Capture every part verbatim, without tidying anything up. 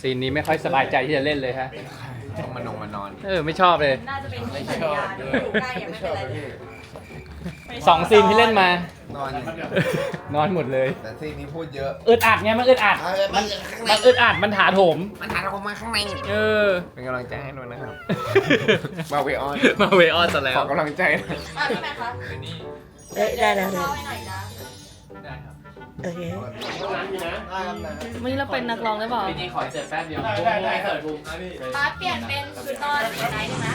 ซีนนี้ไม่ค่อยสบายใจที่จะเล่นเลยฮะต้องมานอนมานอนเออไม่ชอบเลยน่าจะเป็นที่สัญญาณอยู่ใกล้ยังไม่เป็นไรเลยสองซีนที่เล่นมานอนนอนหมดเลยแต่ซีนนี้พูดเยอะอึดอัดไงมันอึดอัดเออมันข้างในมันอึดอัดมันถาโถมมันหาเรามาข้างในเออเป็นกำลังใจให้ด้วยนะครับ มาเวออนมาเวออนซะแล้วขอกำลังใจนะอ่ะพี่แม่คะเอ้ยได้แล้วเล่าให้หน่อยนะได้ครับโอเควันนี้เราเป็นนักร้องได้เปล่าพี่นี่ขอเสิร์ฟแป๊บเดียวบูมบูมเสิร์ฟบูมป้าเปลี่ยนเป็นชุดนอนเป็นไหนได้ไหม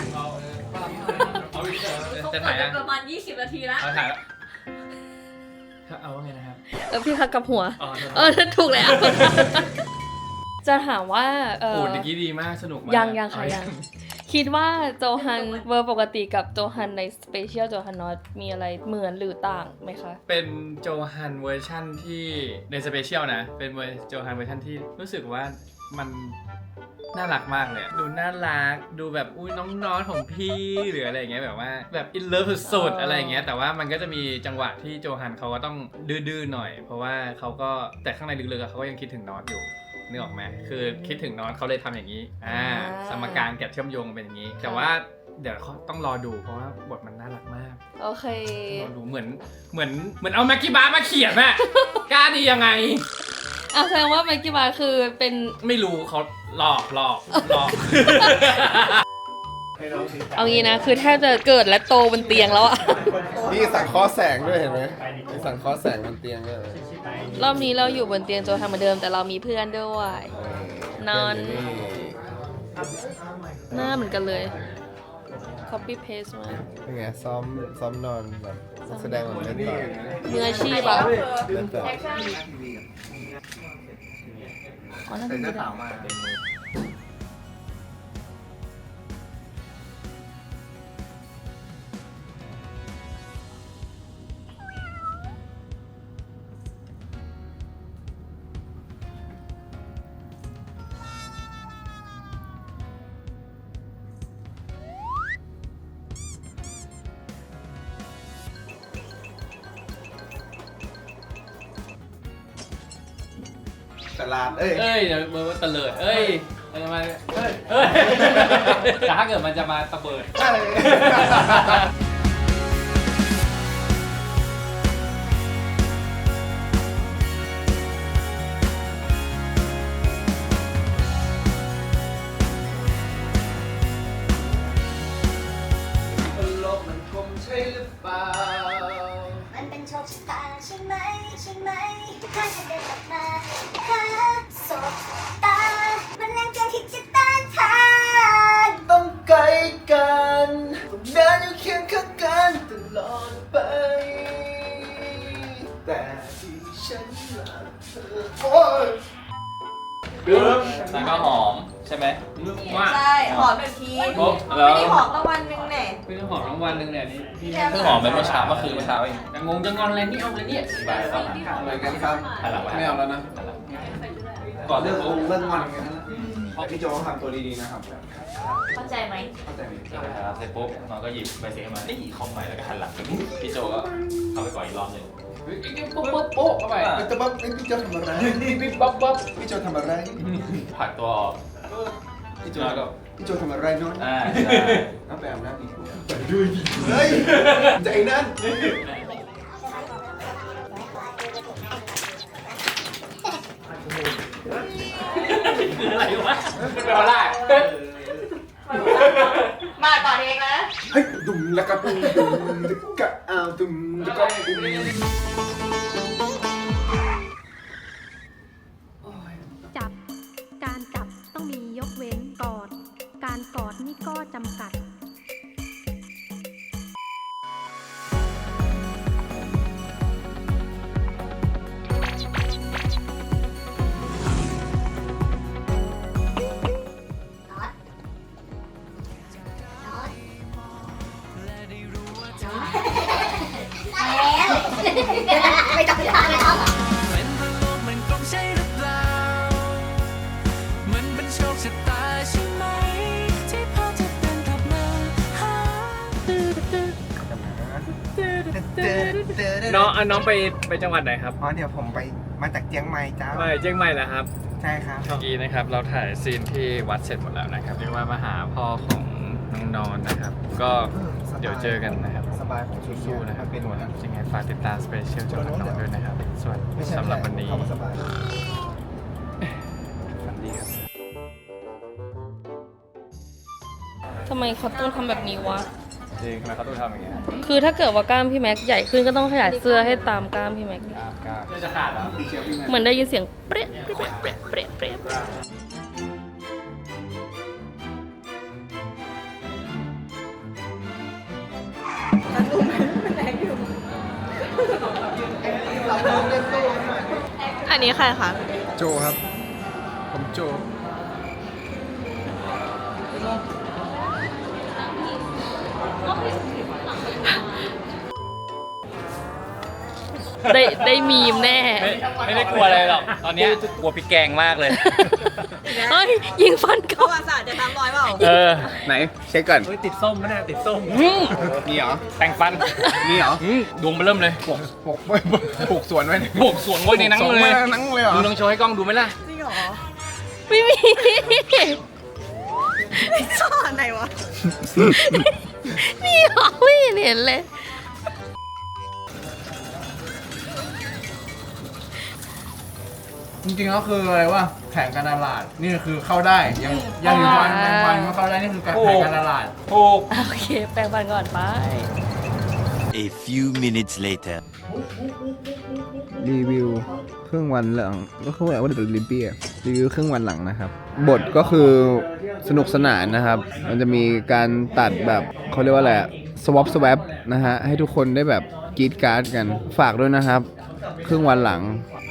จะถ่ายกัอ่ะนประมาณยี่สิบนาทีแล้วเอาถ่ายแล้วเอาว่าไงนะครับเออพี่พักกับหัวอ๋อเออถูกแล้ว จะถามว่าเอโอ้อเมื่อกี้ดีมากสนุกมากยังยังค่ะยัง คิดว่าโจฮันเวอร์ปกติกับโจฮันในสเปเชียลโจฮันนอตมีอะไรเหมือนหรือต่างไหมคะเป็นโจฮันเวอร์ชั่นที่ในสเปเชียลนะ เป็นเวอร์โจฮันเวอร์ชั่นที่รู้สึกว่ามันน่ารักมากเลยอะดูน่ารักดูแบบอุ้ยน้องๆของพี่หรืออะไรอย่างเงี้ยแบบว่าแบบอินเลิฟสุดๆอะไรอย่างเงี้ยแต่ว่ามันก็จะมีจังหวะที่โจฮันเขาก็ต้องดื้อๆหน่อย เพราะว่าเขาก็แต่ข้างในลึกๆอะเขาก็ยังคิดถึงน็อตอยู่นึกออกไหมคือคิดถึงน็อตเขาเลยทำอย่างนี้อ่าอ่าสมการแกะเชื่อมโยงเป็นอย่างนี้ แต่ว่าเดี๋ยวเขาต้องรอดูเพราะว่าบทมันน่ารักมากโอเครอดูเหมือนเหมือนเหมือนเอาแม็กกี้บาร์มาเขียนอะ กล้าดียังไงอ่ะแสดงว่าไมค์กี้บาร์คือเป็นไม่รู้เขาหลอกหลอกหลอกเอางี้นะ คือแทบจะเกิดและโตบนเตียงแล้วอะนี่สั่งเคอแสงด้วยเห็นไหมมีสั่งเคอแสงบนเตียงด้วยรอบนี้เราอยู่บนเตียงโจฮันเหมือนเดิมแต่เรามีเพื่อนด้วย นอน หน้าเหมือนกันเลย copy paste มาเป็นไงซ้อมซ้อมนอนแบบนักแสดงแบบเล่นต่อมืออาชีพก็อะคือเล่นต่อแอคชั่นอ๋อนั่นเป็นไม่ได้ตลาดเอ้ยเอ้ยเดี๋ยวมันตะเลิดเอ้ยมันจะมาเอ้ยเอ้ยแต่ถ้าเกิดมันจะมาตะเบิด โลกมันคมใช่หรือเปล่ามันเป็นโชคชะตาใช่ไหมใช่ไหมถ้าฉันเดินกลับมาหาสบตา มันแรงเกินที่จะต้านทานต้องไกลกันต้องเดินอยู่เคียงข้างกันตลอดไป แต่ที่ฉันรักเธอโอ้ยแล้วก็หอมใช่ไหมว่าใช่หอมหนึ่งทีโอ้ไม่ได้หอมตะวันหนึ่งแน่เพิ่งหอมทั้งวันหนึงเนี่ยนี่พี่เพิ่เพิ่งงหหออมมไปไปเมื่เมื่ออเช้าเช้าเมื่อคืนเมื่อเช้าเองแต่งงจะงอนอะไรนี่เอาเลยเนี่ยไปเอาหลังข้างอะไรกันครับหันหลังไม่เอาแล้วนะก่อนเรื่เรื่ออง งของเรื่องงอนกันนะพี่โจทำตัวดีๆนะครับเข้าใจไหมเข้าใจไหมครับเสร็จปุ๊บน้องก็หยิบใบเสร็จมานี่คอมใหม่แล้วก็หันหลังพี่โจก็เข้าไปก่อนอีกรอบหนึ่งโป๊ะโป๊ะโป๊ะเข้าไปพี่โจบ๊อบพี่โจทำอะไรปิ๊บบ๊อบบ๊อบพี่โจทำอะไรผลักตัวออกพี่โจแล้วก็พี่โจทำอะไรน้องอ่าใช่น้ำแปมน้ำอีกไปด้วยดิเฮ้ยใจนั่นคืออะไรวะมันเป็นอะไรมาต่อเองนะเฮ้ยดุมแล้วก็ปุ้มดุมแล้วก็อ้าวดุมแล้วก็ปุ้มจับ การจับต้องมียกเว้นกอด การกอดนี่ก็จำกัดไม่ต้องทานแล้วเป็นเพราะโลกมันกลมใช่หรือเปล่า มันเป็นโชคชะตาใช่ไหม ที่พอจะเป็นกลับมาหาน้องน้องไปไปจังหวัดไหนครับอ๋อเดี๋ยวผมไปมาจากเจียงใหม่จ้าไปเชียงใหม่เหรอครับใช่ครับเมื่อกี้นะครับเราถ่ายซีนที่วัดเสร็จหมดแล้วนะครับเรียกว่ามาหาพ่อของน้องนอนนะครับ ก็เดี๋ยวเจอกันนะครับสบายของชุดสู้ๆนะครับเป็นทุกคนยังไงฝากติดตามสเปเชียลจากน้องนอนด้วยนะครับส่วนไม่ใช่สำหรับวันนี้คำว่าสบายฝันดีครับทำไมเขาต้องทำแบบนี้วะจริงทำไมเขาต้องทำอย่างเงี้ยคือถ้าเกิดว่ากล้ามพี่แม็กใหญ่ขึ้นก็ต้องขยายเสื้อให้ตามกล้ามพี่แม็กกล้ามกล้ามจะขาดแล้วเหมือนได้ยินเสียงเปรี้ยเปรี้ยเปรี้ยเปรี้ยเปรี้ยเปรี้ยอันนี้ใครคะโจครับ ผมโจได้ได้มีมแน่ไม่ไม่ได้กลัวอะไรหรอกตอนเนี้ยกลัวพี่แกงมากเลยเฮ้ย ยิงฟันปเขาระวัติศาสตร์จะตามรอยเปล่าเออไหน เช็คก่อนเฮ้ยติดส้มไหมเนี่ยติดส้มมีเหรอแต่งฟันมีเหรออืมดวงมาเริ่มเลยปลูกปลูกปลูกสวนไว้บวกสวนไว้ในหนังสวนเลไว้ยในหนังเลยเหรอมึงลองโชว์ให้กล้องดูไหมล่ะจริงเหรอไม่มีซ่อนไหนวะมีเหรอไม่เห็นเห็นเลยจริงๆก็คืออะไรวะแผนการตลาด นี่คือเข้าได้ ยังยังถึงวันยังวันก็เข้าได้ นี่คือการแผนการตลาดถูกโอเค แปลงฟันก่อนไป A few minutes later. รีวิวครึ่งวันหลังก็คือว่าเดอะลิมเปียรีวิวครึ่งวันหลังนะครับ บทก็คือสนุกสนานนะครับ มันจะมีการตัดแบบเขาเรียกว่าอะไรสวอปสวปนะฮะ ให้ทุกคนได้แบบกรีดการ์ดกันฝากด้วยนะครับ ครึ่งวันหลัง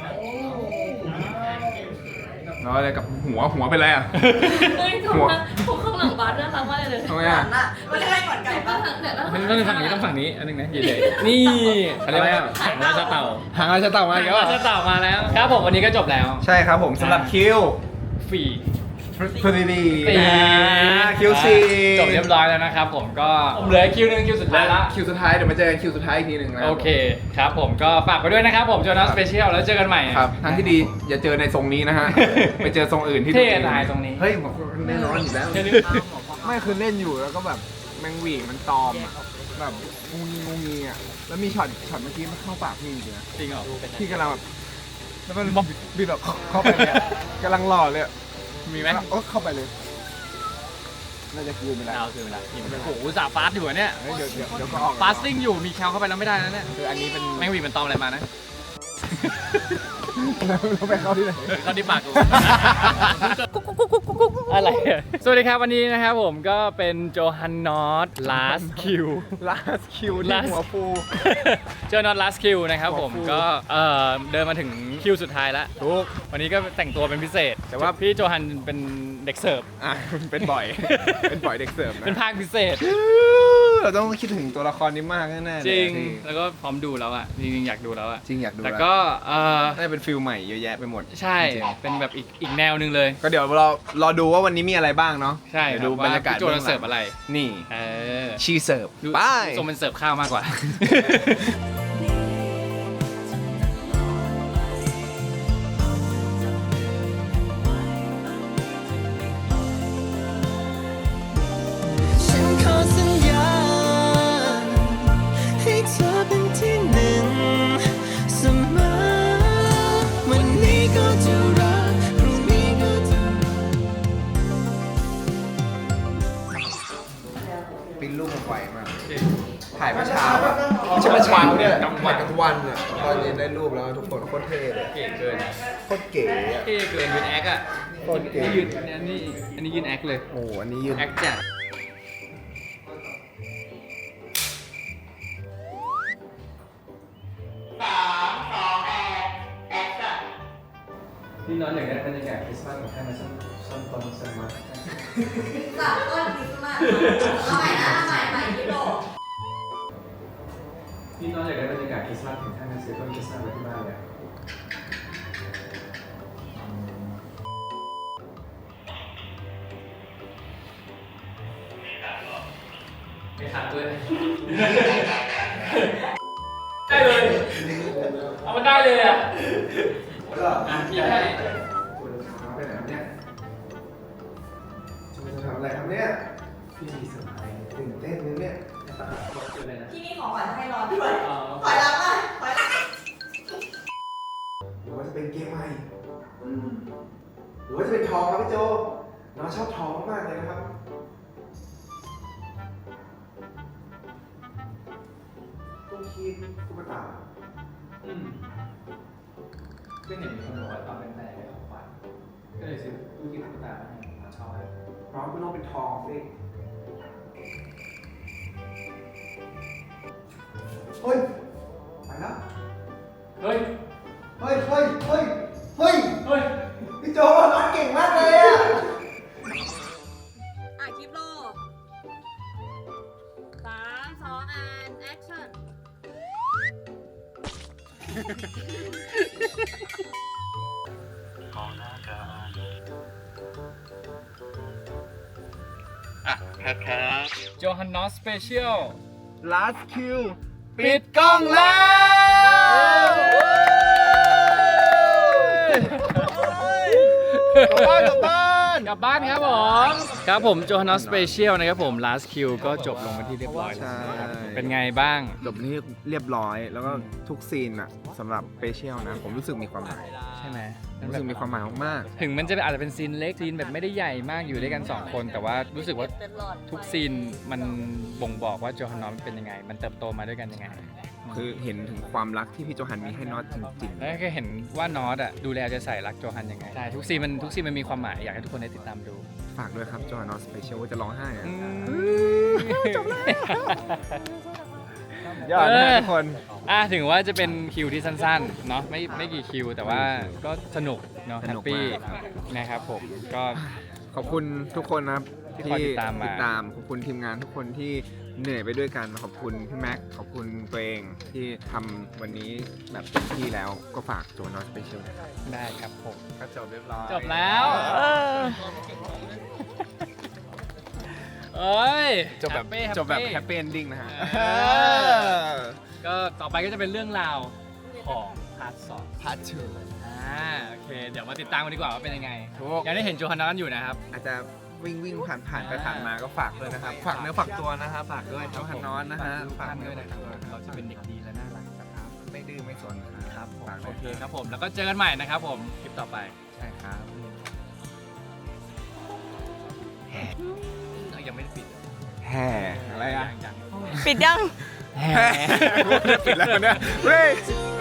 แล้วอะไรกับหัวหัวเป็นไรอ่ะเฮ้ยหัวผมข้างหลังบาสน่ารักมากเลยทำไมอ่ะไม่ใช่ก่อนไก่ปะเนี่ยแล้วมันต้องฝั่งนี้ต้องฝั่งนี้อันนึงนะใหญ่ๆนี่อะไรไหมอ่ะหางราชเต่าหางอะไรจะเต่ามาหาอีงกแล้วราชเต่ามาแล้วครับผมวันนี้ก็จบแล้วใช่ครับผมสำหรับคิวฝีพอดีดีสี่คิวซีจบเรียบร้อยแล้วนะครับผมก็เหลือคิวหนึ่งคิวสุดท้ายละคิวสุดท้ายเดี๋ยวมาเจอกันคิวสุดท้ายอีกทีหนึ่งนะโอเคครับผมก็ฝากไปด้วยนะครับผมโจนัสสเปเชียลแล้วเจอกันใหม่ครับทางที่ดีอย่าเจอในทรงนี้นะ ฮะ ไปเจอทรงอื่นที่เท่ตายตรงนี้เฮ้ยผมแน่นอนอยู่แล้วเท่ดิไม่คือเล่นอยู่แล้วก็แบบแมงหวีมันตอมอะแบบงูงีงูงีอ่ะแล้วมีช็อตช็อตเมื่อกี้มันเข้าปากพี่จริงๆนะจริงเหรอพี่กำลังแบบแล้วมันบิดแบบเข้าไปเลยอะกำลังหล่อเลยอะมีไหมโอ้เข้าไปเลยน่าจะคืนไปแล้วเอาคือเวลาโอ้โหอุตส่าห์ฟาสต์อยู่อะเนี่ยเฮ้ยเดี๋ยวเดี๋ยวเดี๋ยวก็ออกฟาสติ้งอยู่มีแคลเข้าไปแล้วไม่ได้นะเนี่ยคืออันนี้เป็นแมงหวีมันตอมอะไรมานะเราไปเข้าที่ไหนเข้าที่ปากกู อะไรอะสวัสดีครับวันนี้นะครับผมก็เป็นโจฮันนอต last Q ลาสคิวที่ Last หัวฟูโจนอต last Q นะครับผมหัวฟูก็เอ่อเดินมาถึงคิวสุดท้ายแล้วทุกวันนี้ก็แต่งตัวเป็นพิเศษแต่ว่าพี่โจฮันเป็นเด็กเสิร์ฟอ่ะเป็นบ่อย เป็นบ่อยเด็กเสิร์ฟนะเป็นภาคพิเศษเราต้องคิดถึงตัวละครนี้มากแน่ๆเลยจริงที่แล้วก็พร้อมดูแล้วอ่ะ จริงๆ อยากดูแล้วอ่ะจริงอยากดูแต่ล้วก็เออน่าจะเป็นฟิลใหม่เยอะแยะไปหมดใช่จริงเป็นแบบอีกอีกแนวหนึงเลยก็เดี๋ยวเรารอดูว่าวันนี้มีอะไรบ้างเนาะใช่เดี๋ยวดูบรรยากาศพี่โจจะเสิร์ฟอะไรนี่เออชีเสิร์ฟดูไปทรงเป็นเสิร์ฟข้าวมากกว่าฉันขอสัญญาให้เธอเป็นที่หนึ่งเสมอวันนี้ก็จะรักพรุ่งนี้ก็จะปิ้นรูปมาไวมากถ่ายเมื่อเช้าอะไม่ใช่เมื่อเช้าเนี่ยถ่ายกลางวันอ่ะตอนเย็นได้รูปแล้วทุกคนโคตรเท่เลยเก่งเกินโคตรเก๋อะเท่เกินยืนแอคอ่ะโคตรเก๋นี่ยืนอันนี้อันนี้ยืนแอคเลยโอ้โหอันนี้ยืนแอคจัดพี่น้องอยากได้บรรยากาศคริสต์มาสของแค่มาสักสักตอนสักมาสามต้นคริสต์มาสเอาใหม่นะเอาใหม่ใหม่พี่โดพี่น้องอยากได้บรรยากาศคริสต์มาสถึงขั้นมาซื้อต้นคริสต์มาสไว้ที่บ้านเลยไม่ขาดด้วยได้เลย เอามันได้เลยอ่ะอ่ะพี่ให้ครับเนี่ยพี่มีเซอร์ไพรส์ตื่นเต้นเลยเนี่ยที่นี่ของขวัญให้รอด้วยถอยหลังมาถอยหลังหรือว่าจะเป็นเกมใหม่อืมหรือว่าจะเป็นทองครับพี่โจน้องชอบทองมากเลยนะครับตู้คีบตุ๊กตาอืมซึ่งเห็นมีคนบอกว่าตอนเป็นแฟนได้ของขวัญก็เลยซื้อตู้กินตุ๊กตามาให้ผมชอบเลยน้องก็ต้องเป็นทองสิเฮ้ยไปแล้วเฮ้ยเฮ้ยเฮ้ยเฮ้ยเฮ้ยเฮ้ยพี่โจน้องเก่งมากเลยอะอ่ะคลิปโลสามสองอันแอคชั่นโจฮันนอสสเปเชียล last kill ปิดกล้องแล้วกลับบ้านกลับบ้านกลับบ้านครับผม ครับผมโจฮันนอสสเปเชียลนะครับผม last kill ก็จบลงเป็นที่เรียบร้อยแล้วนะครับเป็นไงบ้างจบที่เรียบร้อยแล้วก็ทุกซีนอะสำหรับสเปเชียลนะ ผมรู้สึกมีความหมายใช่ไหมรู้สึกมีความหมายมากถึงมันจะอาจจะเป็นซีนเล็กซีนแบบไม่ได้ใหญ่มากอยู่ด้วยกันสองคนแต่ว่ารู้สึกว่าทุกซีนมันบ่งบอกว่าโจฮันนอสเป็นยังไง มันเติบโตมาด้วยกันยังไงๆคือเห็นถึงความรักที่พี่โจฮันมีให้น็อตจริงแล้วก็เห็นว่านอตอ่ะดูแลจะใส่รักโจฮันยังไงใช่ทุกซีนมันทุกซีนมันมีความหมายอยากให้ทุกคนได้ติดตามดูๆ ฝากด้วยครับโจฮันนอตสเปเชียลว่าจะร้องไห้อะจบแล้วยอดนะทุกคนอ่ะถึงว่าจะเป็นคิวที่สั้นๆเนาะไม่ไม่กี่คิว แต่ว่าก็สนุกเนาะสแฮนุปกปี้มากนะครับผมก็ขอบคุณทุกคนนะครับที่คอยติดตามมาติดตามขอบคุณทีมงานทุกคนที่เหนื่อยไปด้วยกันขอบคุณพี่แม็กขอบคุณตัวเองที่ทำวันนี้แบบเต็มที่แล้วก็ฝากโจฮันนอตสเปเชียลนะครับได้ครับผมก็จบเรียบร้อยจบแล้วเอ้ยจบแบบ Happy Happy จบแบบแฮปปี้เอนดิ้งนะฮะเออ ก็ต่อไปก็จะเป็นเรื่องราวของพาร์ทสองพาร์ททูอ่าโอเค เดี๋ยวมาติดตามกันดีกว่าว่าเป็นยังไงถูกยังได้เห็นโจฮันนอสอยู่นะครับอาจจะวิ่งวิ่งผ่านผ่านไปผ่านมาก็ฝากด้วยนะครับ ฝากเนื้อฝากตัวนะครับ ฝากด้วยโจฮันนอสนะฮะฝากด้วยนะครับเราจะเป็นเด็กดีและน่ารักครับไม่ดื้อไม่สนครับฝากด้โอวยเคครับผม แล้วก็เจอกันใหม่นะครับผม คลิปต่อไปใช่ครับเอ้ยยังไม่ได้ปิดแห่อะไรอ่ะยังยังปิดยังแห่ปิดแล้วเนี่ยเฮ้ยเ